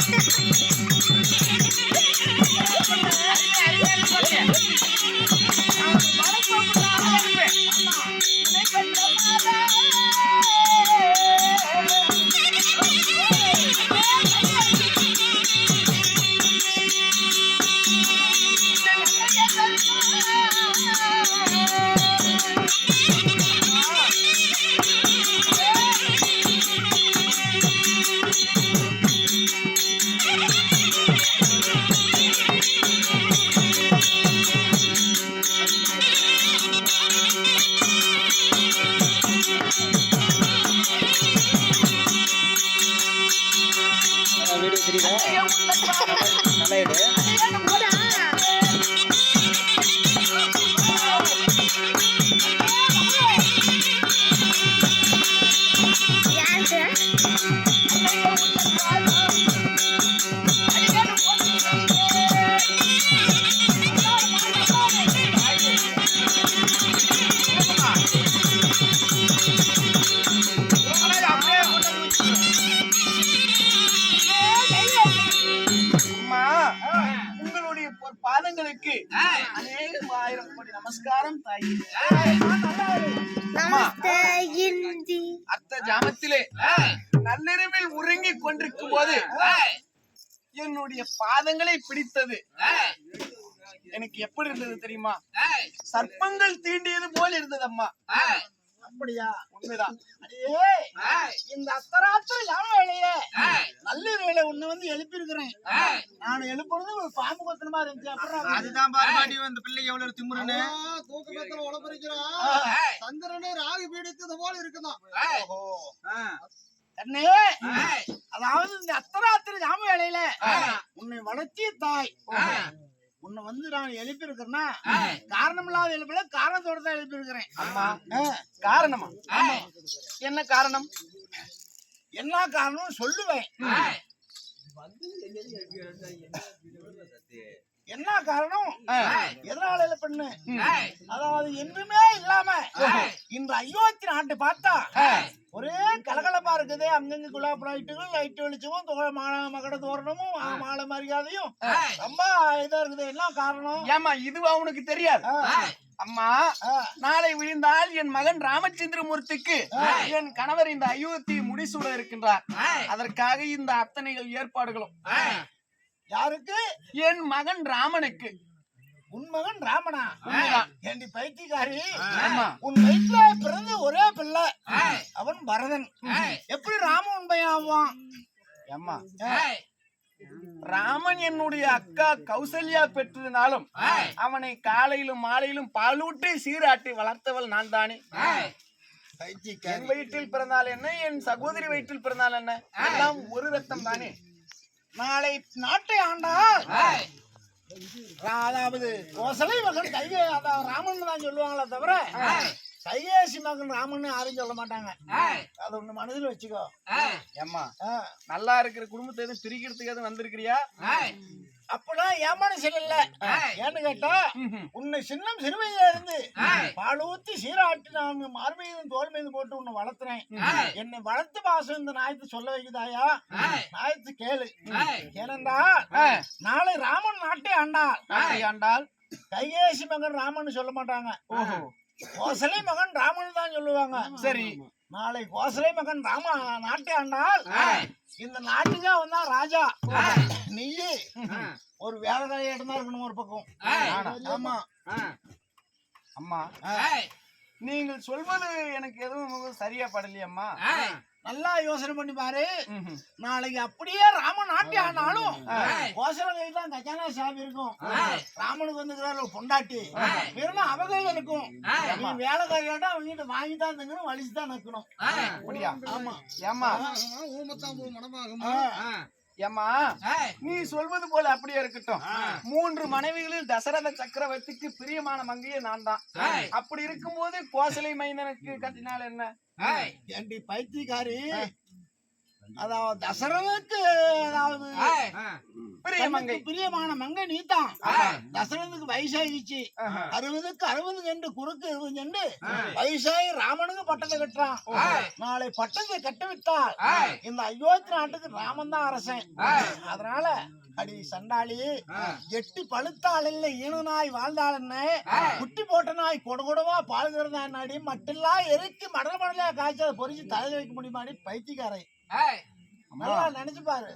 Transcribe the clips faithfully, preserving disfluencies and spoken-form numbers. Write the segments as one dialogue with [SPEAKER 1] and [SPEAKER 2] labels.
[SPEAKER 1] நமஸ்காரம் தாயி. அர்த்த ஜாமத்திலே நள்ளிரவில் உறங்கிக் கொண்டிருக்கும் போது என்னுடைய பாதங்களை பிடித்தது எனக்கு எப்படி இருந்தது தெரியுமா? சர்ப்பங்கள் தீண்டியது போல் இருந்தது அம்மா. அப்படியா? உண்மைதான். இந்த அத்தராத்திரி யாம வேலையே நள்ளிரவில ஒண்ணு வந்து எழுப்பி இருக்கிறேன். நான் எழுப்புறது ஒரு பாம்பு கொத்தனமா இருந்துச்சு. அப்புறம்
[SPEAKER 2] அதுதான் பாருமாடி இந்த பிள்ளை எவ்வளவு திமுறன்னு தூக்கத்துல உழப்பறிக்கிறான். சந்திரனே ராகு பீடித்தது போல இருக்குதான்.
[SPEAKER 1] அண்ணே, அதாவது இந்த அத்தராத்திரி யாம வேலையில உன்னை வளர்த்திய தாய் உன்னை வந்து நான் எழுப்பி இருக்கிறேன்னா காரணம் இல்லாத எழுப்பல, காரணத்தோட தான் எழுப்பி இருக்கிறேன்.
[SPEAKER 2] அம்மா, காரணமா?
[SPEAKER 1] என்ன காரணம்? என்ன காரணம் சொல்லுவேன். என்ன காரணம்? எதனால எழுப்பண்ணு? அதாவது என்றுமே இல்லாம இந்த அயோத்தி நாட்டை பார்த்தா ஒரே கலகலப்பா இருக்குது. அங்கங்க குலாப் லைட்டுகள், லைட் வெளிச்சமும், மகட தோரணமும், மாலை மரியாதையும் ரொம்ப இதா இருக்குது. என்ன காரணம்?
[SPEAKER 2] ஏமா இதுவா உனக்கு தெரியாது? அம்மா, நாளை விழுந்தால் என் மகன் ராமச்சந்திரமூர்த்திக்கு என் கணவர் இந்த அயோத்தி முடிசூட இருக்கின்றார். அதற்காக இந்த அத்தனைகள் ஏற்பாடுகளும்.
[SPEAKER 1] யாருக்கு?
[SPEAKER 2] என் மகன் ராமனுக்கு.
[SPEAKER 1] உன் மகன் ராமனா? ஏண்டி பைத்தியக்காரி, உன் வயிற்றுல பிறந்த ஒரே பிள்ளை அவன் பரதன். எப்படி ராமன் உன் பையன் ஆவான்?
[SPEAKER 2] அம்மா, ராமன் என்னுடைய அக்கா கௌசல்யா பெற்றதுனாலும் அவனை காலையிலும் மாலையிலும் பாலூட்டி சீராட்டி வளர்த்தவள் நான் தானே. என் வயிற்றில் பிறந்தால் என்ன, என் சகோதரி வயிற்றில் பிறந்தால் என்ன, எல்லாம் ஒரு ரத்தம் தானே.
[SPEAKER 1] நாளை நாட்டை ஆண்டால் அதாவது கோசலை மகன் கைகே, அதாவது ராமன் தான் சொல்லுவாங்களே தவிர கைகேசி மகன் ராமன் யாரும் சொல்ல மாட்டாங்க. அது ஒண்ணு மனதில் வச்சுக்கோ.
[SPEAKER 2] ஏம்மா, நல்லா இருக்கிற குடும்பத்தை எதுவும் பிரிக்கிறதுக்கு எதுவும் வந்திருக்கிறியா?
[SPEAKER 1] அப்பதான் ஏமானு சொல்லல. ஏன்னு கேட்டா, உன்னை சின்னம் சிறுமையில இருந்து பாலூத்தி சீராட்டி நான் மார் மீதும் தோல் மீது போட்டு உன்னை வளர்த்துறேன். என்னை வளர்த்து பாசம் இந்த நாயத்து சொல்ல வைக்குதாயா? நாயத்து கேளு. ஏனென்றா நாளை ராமன் நாட்டை ஆண்டாள்.
[SPEAKER 2] நாட்டை ஆண்டாள்
[SPEAKER 1] கைகேசி மகன் ராமன் சொல்ல மாட்டாங்க. கோசலை மகன் ராமன் தான் சொல்லுவாங்க.
[SPEAKER 2] சரி,
[SPEAKER 1] நாளை கோசலை மகன் ராம நாட்டை ஆண்டால் இந்த நாட்டுக்கு வந்தா ராஜா. நீ ஒரு வேலைக்கார இடமா இருக்கணும் ஒரு பக்கம். ஆமா
[SPEAKER 2] அம்மா, நீங்கள் சொல்வது எனக்கு எதுவும் சரியா படலையம்மா.
[SPEAKER 1] நல்லா யோசனை பண்ணி பாரு. நாளைக்கு அப்படியே ராமன் நாட்டி ஆனாலும் கோசலை தான் கஜானா சாமி இருக்கும். ராமனுக்கு வந்து பொண்டாட்டி வெறும் அவகையில இருக்கும். நீ வேலைக்காரியாட்டா அவங்க வாங்கி தான் தங்கணும், வலிச்சுதான் நிக்கணும்.
[SPEAKER 2] அப்படியா?
[SPEAKER 1] ஆமா.
[SPEAKER 2] ஏமா ஏமா, நீ சொல்வது போல அப்படியே இருக்கட்டும். மூன்று மனைவிகளில் தசரத சக்கரவர்த்திக்கு பிரியமான மங்கையே நான் தான். அப்படி இருக்கும் போது கோசலை மைந்தனுக்கு கட்டினால் என்ன?
[SPEAKER 1] ஏண்டி பைத்தியக்காரி,
[SPEAKER 3] அதாவது தசரனுக்கு அதாவது
[SPEAKER 2] பிரியமங்கை
[SPEAKER 3] தனக்கு பிரியமான மங்கை நீதான். தசரனுக்கு வயசாகிச்சு, அறுபதுக்கு அறுபது சென்று குறுக்கு இருபது சென்று வயசாகி ராமனுக்கு பட்டத்தை கட்டுறான். நாளை பட்டத்தை கட்டவிட்டால் இந்த அயோத்தி நாட்டுக்கு ராமன் தான் அரசன். அதனால அடி சண்டாளி, எட்டி பழுத்தாள் இல்லை ஈனு நாய் வாழ்ந்தாள் என்ன, குட்டி போட்ட நாய் கொடுகொடவா பால்கிறதா நாடி மட்டெல்லாம் எரிக்கு மடல் மடலா காய்ச்சல பொறிச்சு தலையில வைக்க முடியுமாடி பைத்தியக்காரை. நல்லா நினைச்சு பாரு.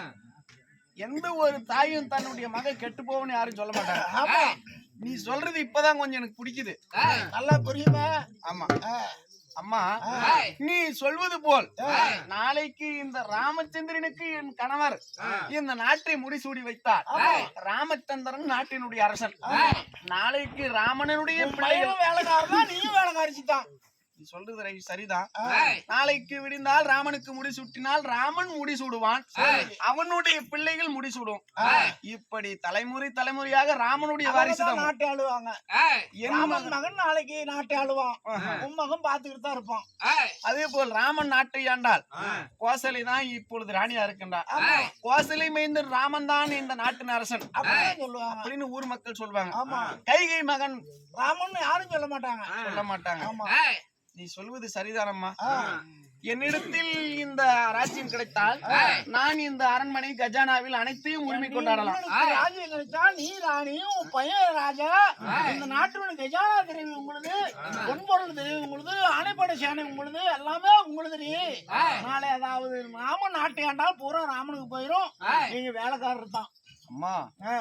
[SPEAKER 2] எந்த ஒரு தாயும் தன்னுடைய மகன் கெட்டு போவன்னு யாரும் சொல்ல மாட்டாங்க.
[SPEAKER 3] ஆமா,
[SPEAKER 2] நீ சொல்றது இப்பதான் கொஞ்சம் எனக்கு பிடிக்குது.
[SPEAKER 3] நல்லா புரியுமே.
[SPEAKER 2] ஆமா அம்மா, நீ சொல்வது போல் நாளைக்கு இந்த ராமச்சந்திரனுக்கு என் கணவர் இந்த நாட்டை முடிசூடி வைத்தார். ராமச்சந்திரன் நாட்டினுடைய அரசன். நாளைக்கு ராமனுடைய பிள்ளைகள்
[SPEAKER 3] வேலைக்காரதான், நீயும் வேலைக்காரிச்சுதான்.
[SPEAKER 2] நீ சொல்றது ரை- சரிதான். நாளைக்கு விடிந்தால் ராமனுக்கு முடிசூட்டினால் ராமன் முடிசூடுவான், அவனுடைய பிள்ளைகள் முடிசூடும். இப்படி தலைமுறை தலைமுறையாக ராமனுடைய வாரிசுதான்
[SPEAKER 3] நாட்டை ஆளுவாங்க.
[SPEAKER 2] என்
[SPEAKER 3] ராமன்
[SPEAKER 2] மகன்.
[SPEAKER 3] மகன் நாளைக்கு நாட்டை ஆளுவான். உன் மகன் பாத்துக்கிட்டு தான் இருப்பான்.
[SPEAKER 2] அதே போல் ராமன் நாட்டை ஆண்டால் கோசலை தான் இப்பொழுது ராணியா இருக்கின்றார். கோசலை மைந்தன் ராமன் தான் இந்த நாட்டின் அரசன்
[SPEAKER 3] அப்படிதான் சொல்லுவாங்க.
[SPEAKER 2] அப்படின்னு ஊர் மக்கள் சொல்வாங்க.
[SPEAKER 3] ஆமா,
[SPEAKER 2] கைகை மகன்
[SPEAKER 3] ராமன் யாரும் சொல்ல மாட்டாங்க.
[SPEAKER 2] சொல்ல மாட்டாங்க.
[SPEAKER 3] ஆமா,
[SPEAKER 2] நீ சொல்வது சரிதானம்மா. என்னிடத்தில் இந்த ராஜ்யம் கிடைத்தால் நான் இந்த அரண்மனை கஜானாவில் அனைத்தையும் உரிமை கொண்டாடலாம்.
[SPEAKER 3] உங்களுக்கு ராஜ்யம் கிடைச்சா நீ ராணியும் உன் பையன் ராஜா. இந்த நாட்டோட கஜானா தெரியும் உங்களுக்கு, பொன்பொருள் தெரியும் உங்களுக்கு, ஆணைப்படை சேனை உங்களுக்கு, எல்லாமே உங்களுக்கு. நாளை அதாவது ராமன் நாட்டை ஆண்டால் பூரா ராமனுக்கு போயிரும். நீங்க வேலைக்காரர் தான்.
[SPEAKER 2] அம்மா,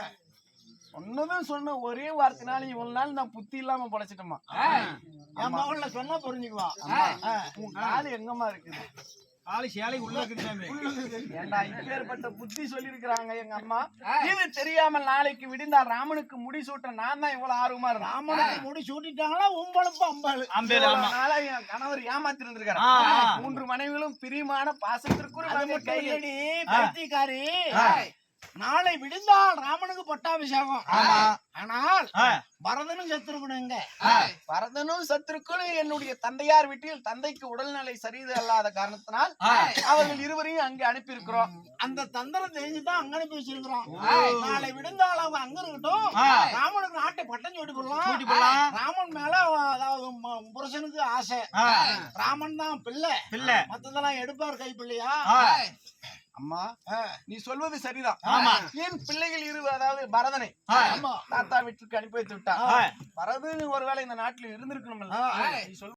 [SPEAKER 2] சொன்னதும் சொன்ன ஒரே வார்த்தைனால இவ்வளவு நாள் நான் புத்தி இல்லாம படைச்சிட்டோமா.
[SPEAKER 3] என் மகன்ல சொன்னா புரிஞ்சுக்குவான்.
[SPEAKER 2] உன் காது எங்கம்மா இருக்குது?
[SPEAKER 3] ஆளு சேலை உள்ள இருக்குது.
[SPEAKER 2] ஏண்டா இப்பேற்பட்ட புத்தி சொல்லி இருக்கிறாங்க எங்க அம்மா. இது தெரியாமல் நாளைக்கு விடிந்தால் ராமனுக்கு முடிசூட்ட நான் தான் இவ்வளவு ஆர்வமா இருந்தேன்.
[SPEAKER 3] ராமனுக்கு முடி சூட்டிட்டாங்களா உம்பளப்பு அம்பாளு.
[SPEAKER 2] இவ்வளவு நாளா என் கணவர் ஏமாத்தி இருந்திருக்காரு. மூன்று மனைவிகளும் பிரியமான பாசத்திற்குரிய
[SPEAKER 3] அது
[SPEAKER 2] மகன்
[SPEAKER 3] மட்டும்
[SPEAKER 2] கையில்.
[SPEAKER 3] இல்லடி பைத்தியக்காரி, நாளை விடிந்தால் ராமனுக்கு பட்டாபிஷேகம். ஆனால் பரதனும் செத்துருக்கணுங்க.
[SPEAKER 2] பரதனும் சத்துருக்களும் என்னுடைய தந்தையார் வீட்டில் தந்தைக்கு உடல்நிலை சரிது அல்லாத காரணத்தினால் அவர்கள் இருவரையும் அங்கே அனுப்பி இருக்கிறோம்.
[SPEAKER 3] அந்த தந்திரம் தெரிஞ்சுதான் அங்க அனுப்பி வச்சிருக்கிறோம். நாளை விடுந்தால் அவங்க அங்க இருக்கட்டும். ராமனுக்கு நாட்டை பட்டம் சூட்டி போடலாம். ராமன் மேல அதாவது ம- புருஷனுக்கு ஆசை. ராமன் தான் பிள்ளை பிள்ளை மத்ததெல்லாம் எடுப்பார் கை பிள்ளையா.
[SPEAKER 2] அம்மா, நீ சொல்வது சரிதான். என் பிள்ளைகள் இரு அதாவது பரதனை தாத்தா வீட்டுக்கு அனுப்பி வைத்து விட்டா. பரதன் ஒருவேளை இந்த நாட்டில் இருந்திருக்கணும். நீ சொல்